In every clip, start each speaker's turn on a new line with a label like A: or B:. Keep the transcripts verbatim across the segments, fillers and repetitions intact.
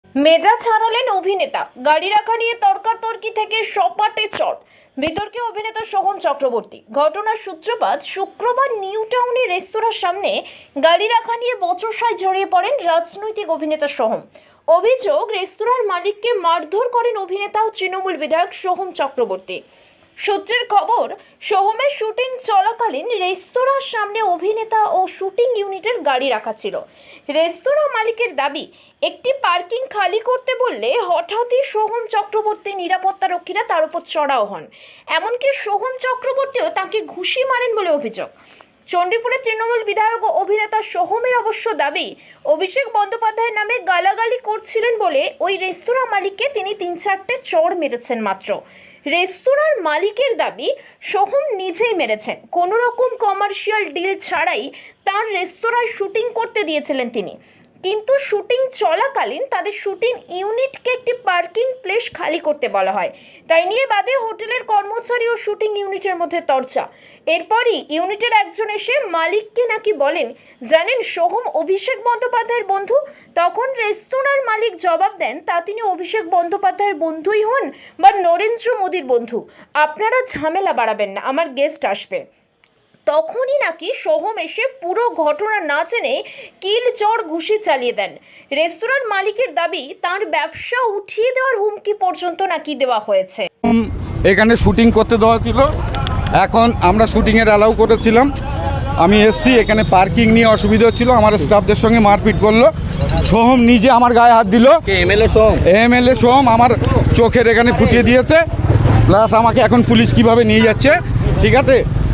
A: মেজাজ ছাড়ালেন অভিনেতা, গাড়ি রাখা নিয়ে তর্কাতর্কি থেকে সপাটে চট। বিতর্কে অভিনেতা সোহম চক্রবর্তী। ঘটনার সূত্রপাত শুক্রবার নিউ টাউনের রেস্তোরাঁর সামনে গাড়ি রাখা নিয়ে বচসায় জড়িয়ে পড়েন রাজনৈতিক অভিনেতা সোহম। অভিযোগ, রেস্তোরাঁর মালিককে মারধর করেন অভিনেতা ও তৃণমূল বিধায়ক সোহম চক্রবর্তী। সূত্রের খবর, সোহমের শুটিং চলাকালীন রেস্তোরাঁর সামনে অভিনেতা ও শুটিং ইউনিটের গাড়ি রাখা ছিল। রেস্তোরাঁ মালিকের দাবি, একটি পার্কিং খালি করতে বললে হঠাৎই সোহম চক্রবর্তী নিরাপত্তারক্ষীরা তার উপর চড়াও হন। এমনকি সোহম চক্রবর্তীও তাকে ঘুষি মারেন বলে অভিযোগ। চণ্ডীপুরের তৃণমূল বিধায়ক ও অভিনেতা সোহমের অবশ্য দাবি, অভিষেক বন্দ্যোপাধ্যায়ের নামে গালাগালি করছিলেন বলে ওই রেস্তোরাঁ মালিককে তিনি তিন চারটে চড় মেরেছেন মাত্র। রেস্তোরাঁর মালিকের দাবি, সোহম নিজেই মেরেছেন। কোনো রকম কমার্শিয়াল ডিল ছাড়াই তার রেস্তোরাঁয় শুটিং করতে দিয়েছিলেন তিনি। কিন্তু শুটিং চলাকালীন তাদের শুটিং ইউনিটকে একটি পার্কিং প্লেস খালি করতে বলা হয়। তাই নিয়ে বাদে হোটেলের কর্মচারী ও শুটিং ইউনিটের মধ্যে তর্জা। এরপরই ইউনিটের একজন এসে মালিককে নাকি বলেন, জানেন সোহম অভিষেক বন্দ্যোপাধ্যায়ের বন্ধু। তখন রেস্তোরাঁর মালিক জবাব দেন, তা তিনি অভিষেক বন্দ্যোপাধ্যায়ের বন্ধুই হন বা নরেন্দ্র মোদীর বন্ধু, আপনারা ঝামেলা বাড়াবেন না, আমার গেস্ট আসবে। তখনই নাকি সোহম এসে পুরো ঘটনা না জেনে কিল চড় ঘুষি চালিয়ে দেন। রেস্তোরাঁর মালিকের দাবি, তার ব্যবসা উঠিয়ে দেওয়ার হুমকি পর্যন্ত নাকি দেওয়া হয়েছে।
B: এখানে শুটিং করতে দেওয়া ছিল, এখন আমরা শুটিংয়ের অ্যালাউ করেছিলাম। আমি এসছি, এখানে পার্কিং নিয়ে অসুবিধা হচ্ছিল, আমার স্টাফদের সঙ্গে মারপিট করলো। সোহম নিজে আমার গায়ে হাত দিল।
C: এমএলএ সোহম
B: এমএলএ সোহম আমার চোখের এখানে ফুটিয়ে দিয়েছে, প্লাস আমাকে এখন পুলিশ কিভাবে নিয়ে যাচ্ছে, ঠিক আছে,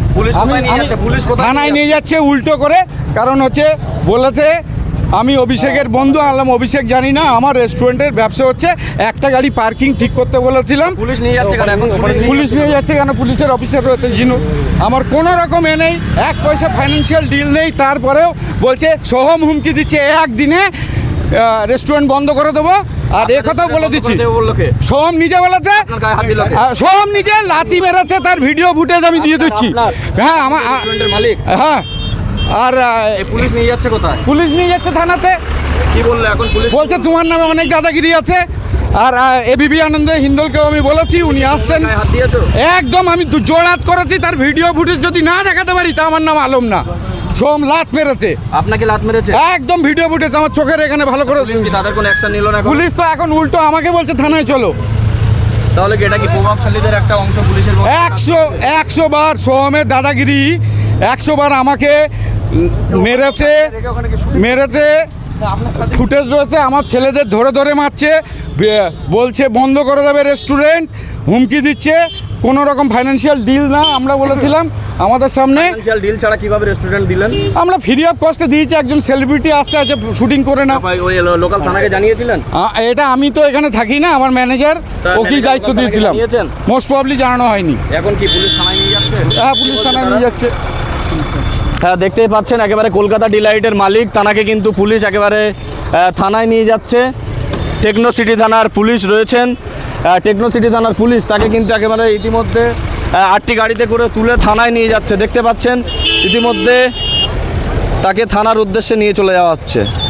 B: থানায় নিয়ে যাচ্ছে উল্টো করে। কারণ হচ্ছে বলেছে আমি অভিষেকের বন্ধু। আনলাম অভিষেক জানি না, আমার রেস্টুরেন্টের ব্যবসা হচ্ছে, একটা গাড়ি পার্কিং ঠিক করতে বলেছিলাম।
C: পুলিশ নিয়ে যাচ্ছে কেন? এখন
B: পুলিশ নিয়ে যাচ্ছে কেন? পুলিশের অফিসার রয়েছে জিনু, আমার কোনো রকম এ নেই, এক পয়সা ফাইন্যান্সিয়াল ডিল নেই। তারপরেও বলছে সোহম হুমকি দিচ্ছে একদিনে রেস্টুরেন্ট বন্ধ করে দেবো। আর এ কথাও বলে দিচ্ছি, সোহম নিজে বলেছে, সোহম নিজে লাথি মেরেছে, তার ভিডিও ফুটেজ আমি দিয়ে দিচ্ছি। হ্যাঁ আমার
C: মালিক।
B: হ্যাঁ, আর
C: পুলিশ নিয়ে যাচ্ছে কোথায়?
B: পুলিশ নিয়ে যাচ্ছে থানাতে।
C: কি বললো এখন পুলিশ?
B: বলছে তোমার নামে অনেক দাদাগিরি আছে। আর এবিপি আনন্দ হিন্দলকেও আমি বলেছি, উনি আসছেন। একদম আমি জোড়াত করেছি, তার ভিডিও ফুটেজ যদি না দেখাতে পারি তা আমার নাম আলম না। সোহম লাত মেরেছে।
C: আপনাকে লাত মেরেছে?
B: একদম ভিডিও ফুটেজ আমার চোখের এখানে ভালো করে।
C: তাদের কোনো অ্যাকশন নিল না?
B: পুলিশ তো এখন উল্টো আমাকে বলছে থানায় চলো।
C: তাহলে কি এটা কি প্রভাবশালীদের একটা অংশ পুলিশের?
B: একশো একশো বার সোহমের দাদাগিরি, একশো বার আমাকে মেরেছে মেরেছে ফুটেজ রয়েছে, আমার ছেলেদের ধরে ধরে মারছে, বলছে বন্ধ করে দেবে রেস্টুরেন্ট, হুমকি দিচ্ছে। কোনো রকম ফাইন্যান্সিয়াল ডিল না, আমরা বলেছিলাম আমাদের সামনে।
C: ফাইন্যান্সিয়াল ডিল ছাড়া কিভাবে রেস্টুরেন্ট দিলেন?
B: আমরা ফ্রি অফ কস্টে দিয়েছি, একজন সেলিব্রিটি আসছে, আছে শুটিং করে না।
C: ওই লোকাল থানাকে জানিয়েছিলেন?
B: এটা আমি তো এখানে থাকি না, আমার ম্যানেজার, ওকেই দায়িত্ব দিয়েছিলাম। মোস্ট প্রবলি জানানো হয়নি।
C: এখন কি পুলিশ থানায় নিয়ে যাচ্ছে?
B: হ্যাঁ, পুলিশ থানায় নিয়ে যাচ্ছে।
C: হ্যাঁ, দেখতেই পাচ্ছেন একেবারে কলকাতা ডিলাইটের মালিক, তানাকে কিন্তু পুলিশ একেবারে থানায় নিয়ে যাচ্ছে। টেকনো সিটি থানার পুলিশ রয়েছেন, টেকনো সিটি থানার পুলিশ তাকে কিন্তু একেবারে ইতিমধ্যে আটটি গাড়িতে করে তুলে থানায় নিয়ে যাচ্ছে। দেখতে পাচ্ছেন ইতিমধ্যে তাকে থানার উদ্দেশ্যে নিয়ে চলে যাওয়া হচ্ছে।